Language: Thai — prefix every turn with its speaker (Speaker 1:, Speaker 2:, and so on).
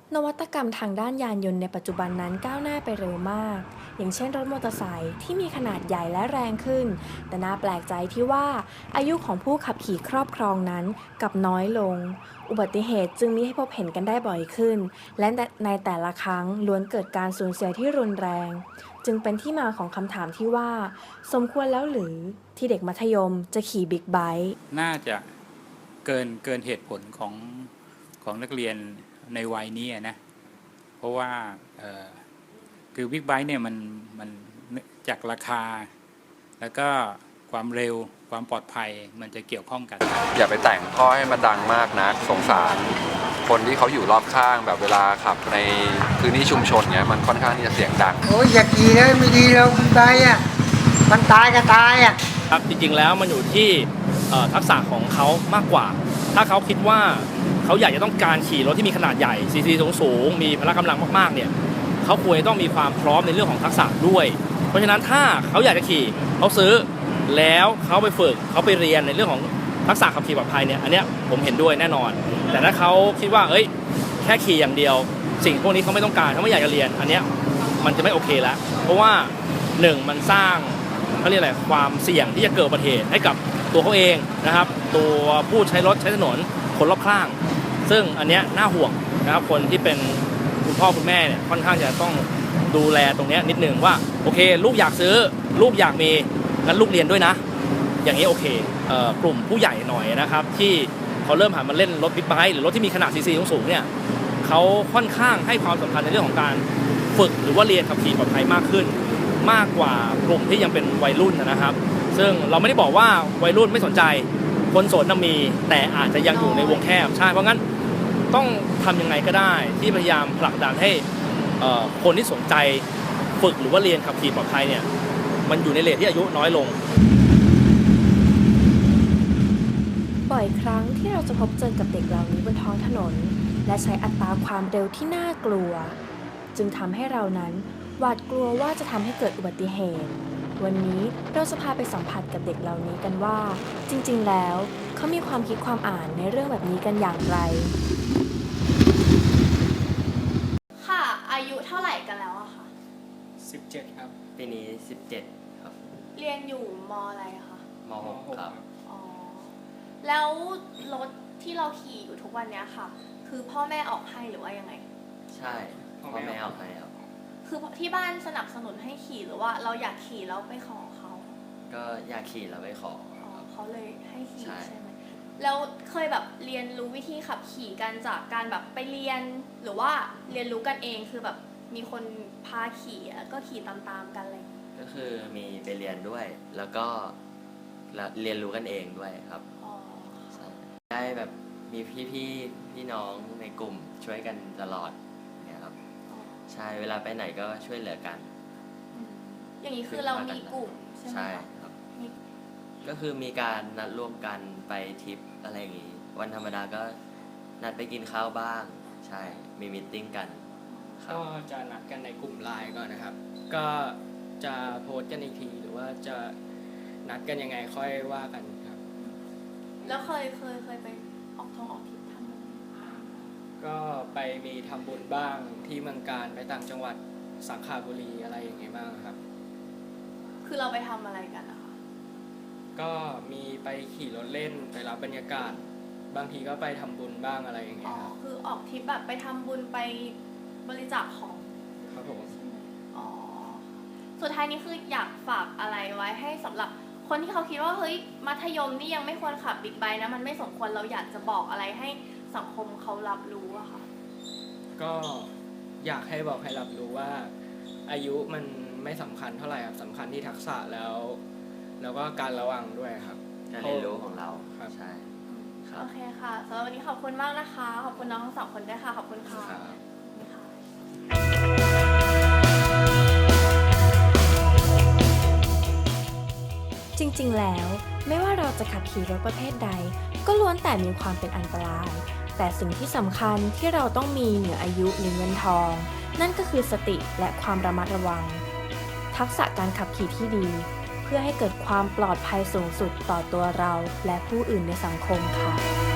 Speaker 1: นวัตกรรมทางด้านยานยนต์ในปัจจุบันนั้นก้าวหน้าไปเร็วมาก อย่างเช่นรถมอเตอร์ไซค์ที่มีขนาดใหญ่และแรงขึ้น แต่น่าแปลกใจที่ว่าอายุของผู้ขับขี่ครอบครองนั้นกลับน้อยลง อุบัติเหตุจึงมีให้พบเห็นกันได้บ่อยขึ้น และในแต่ละครั้งล้วนเกิดการสูญเสียที่รุนแรง จึงเป็นที่มาของคำถามที่ว่าสมควรแล้วหรือที่เด็กมัธยมจะขี่บิ๊กไบค์
Speaker 2: น่าจะเกินเหตุผลของนักเรียนในวัยนี้นะเพราะว่าคือบิ๊กไบค์เนี่ยมันจากราคาแล้วก็ความเร็วความปลอดภัยมันจะเกี่ยวข้องกัน
Speaker 3: อย่าไปแต่งข้อให้มันดังมากนะสงสารคนที่เขาอยู่รอบข้างแบบเวลาขับในพื้นที่ชุมชนเนี้ยมันค่อนข้างที่จะเสียงดัง
Speaker 4: โอ้ยอย่าขี่เลยไม่ดีแล้วคุณไปอ่ะมันตายก็ตายอ่ะ
Speaker 5: ครับจริงๆแล้วมันอยู่ที่ทักษะของเขามากกว่าถ้าเขาคิดว่าเขาอยากจะต้องการขี่รถที่มีขนาดใหญ่ซีซีสูงมีพละกำลังมากๆเนี่ยเขาควรจะต้องมีความพร้อมในเรื่องของทักษะด้วยเพราะฉะนั้นถ้าเขาอยากจะขี่เขาซื้อแล้วเขาไปฝึกเขาไปเรียนในเรื่องของทักษะขับขี่ปลอดภัยเนี่ยอันเนี้ยผมเห็นด้วยแน่นอนแต่ถ้าเขาคิดว่าแค่ขี่อย่างเดียวสิ่งพวกนี้เขาไม่ต้องการเขาไม่อยากจะเรียนอันเนี้ยมันจะไม่โอเคแล้วเพราะว่า1มันสร้างเขาเรียกอะไรความเสี่ยงที่จะเกิดอุบัติเหตุให้กับตัวเขาเองนะครับตัวผู้ใช้รถใช้ถนนคนรอบข้างซึ่งอันเนี้ยน่าห่วงนะครับคนที่เป็นคุณพ่อคุณแม่เนี่ยค่อนข้างจะต้องดูแลตรงนี้นิดนึงว่าโอเคลูกอยากซื้อลูกอยากมีงั้นลูกเรียนด้วยนะอย่างนี้โอเคกลุ่มผู้ใหญ่หน่อยนะครับที่เขาเริ่มหันมาเล่นรถบิ๊กไบค์หรือรถที่มีขนาดซีซีสูงเนี่ยเขาค่อนข้างให้ความสำคัญในเรื่องของการฝึกหรือว่าเรียนขับขี่ปลอดภัยมากขึ้นมากกว่ากลุ่มที่ยังเป็นวัยรุ่นนะครับซึ่งเราไม่ได้บอกว่าวัยรุ่นไม่สนใจคนโสดน่ะมีแต่อาจจะยังอยู่ในวงแคบใช่เพราะงั้นต้องทำยังไงก็ได้ที่พยายามผลักดันให้คนที่สนใจฝึกหรือว่าเรียนขับขี่ปลอดภัยเนี่ยมันอยู่ในเรทที่อายุน้อยลง
Speaker 1: บ่อยครั้งที่เราจะพบเจอกับเด็กเหล่านี้บนท้องถนนและใช้อัตราความเร็วที่น่ากลัวจึงทำให้เรานั้นหวาดกลัวว่าจะทำให้เกิดอุบัติเหตุวันนี้เราจะพาไปสัมผัสกับเด็กเหล่านี้กันว่าจริงๆแล้วเขามีความคิดความอ่านในเรื่องแบบนี้กันอย่างไร
Speaker 6: ค่ะอายุเท่าไหร่กันแล้วอะคะ
Speaker 7: 17ครับ
Speaker 8: ปีนี้17ครับ
Speaker 6: เรียนอยู่มอะไรอะคะ
Speaker 8: ม6ครับ
Speaker 6: อ๋อแล้วรถที่เราขี่อยู่ทุกวันเนี้ยค่ะคือพ่อแม่ออกให้หรือว่ายังไง
Speaker 8: ใช่พ่อแม่ออกให้ครับ
Speaker 6: คือที่บ้านสนับสนุนให้ขี่หรือว่าเราอยากขี่แล้วไปขอเขา
Speaker 8: ก็อยากขี่แล้วไปขอ
Speaker 6: เขาเลยให้ขี่ใช่ไหมแล้วเคยแบบเรียนรู้วิธีขับขี่กันจากการแบบไปเรียนหรือว่าเรียนรู้กันเองคือแบบมีคนพาขี่แล้วก็ขี่ตามๆกันอะไร
Speaker 8: ก็คือมีไปเรียนด้วยแล้วก็เรียนรู้กันเองด้วยครับได้แบบมีพี่น้องในกลุ่มช่วยกันตลอดเนี่ยครับใช่เวลาไปไหนก็ช่วยเหลือกัน
Speaker 6: อย่างนี้คือเรามีกลุ่มใช่ไหม
Speaker 8: ใช่ครับก็คือมีการนัดร่วมกันไปทริปอะไรอย่างงี้วันธรรมดาก็นัดไปกินข้าวบ้างใช่มีมีตติ้งกัน
Speaker 7: ก็จะนัดกันในกลุ่มไลน์ก่อนนะครับก็จะโพสต์กันอีกทีหรือว่าจะนัดกันยังไงค่อยว่ากันครับ
Speaker 6: แล้วเคยไปออกทริปทำบุญ
Speaker 7: ก็ไปมีทำบุญบ้างที่เมืองการไปต่างจังหวัดสังขบุรีอะไรอย่างเงี้ยบ้างครับ
Speaker 6: คือเราไปทำอะไรกันนะคะ
Speaker 7: ก็มีไปขี่รถเล่นไปรับบรรยากาศบางทีก็ไปทำบุญบ้างอะไรอย่างเงี้ยครับ
Speaker 6: คือออกทริปแบบไปทำบุญไปบริจาคของ
Speaker 7: ครับผม
Speaker 6: สุดท้ายนี้คืออยากฝากอะไรไว้ให้สำหรับคนที่เขาคิดว่าเฮ้ยมัธยมนี่ยังไม่ควรขับบิ๊กไบค์นะมันไม่สมควรเราอยากจะบอกอะไรให้สังคมเขารับรู้อะค่ะ
Speaker 7: ก็อยากให้บอกให้รับรู้ว่าอายุมันไม่สำคัญเท่าไหร่ครับสำคัญที่ทักษะแล้วก็การระวังด้วยครับ
Speaker 8: การเรียนรู้ของเรา
Speaker 7: ครับ
Speaker 8: ใช่
Speaker 6: โอเคค่ะสำหรับวันนี้ขอบคุณมากนะคะขอบคุณน้องทั้งสองคนด้วยค่ะขอบคุณค่ะ
Speaker 1: จริงๆ แล้วไม่ว่าเราจะขับขี่รถประเภทใดก็ล้วนแต่มีความเป็นอันตรายแต่สิ่งที่สำคัญที่เราต้องมีเหนืออายุหรือเงินทองนั่นก็คือสติและความระมัดระวังทักษะการขับขี่ที่ดีเพื่อให้เกิดความปลอดภัยสูงสุดต่อตัวเราและผู้อื่นในสังคมค่ะ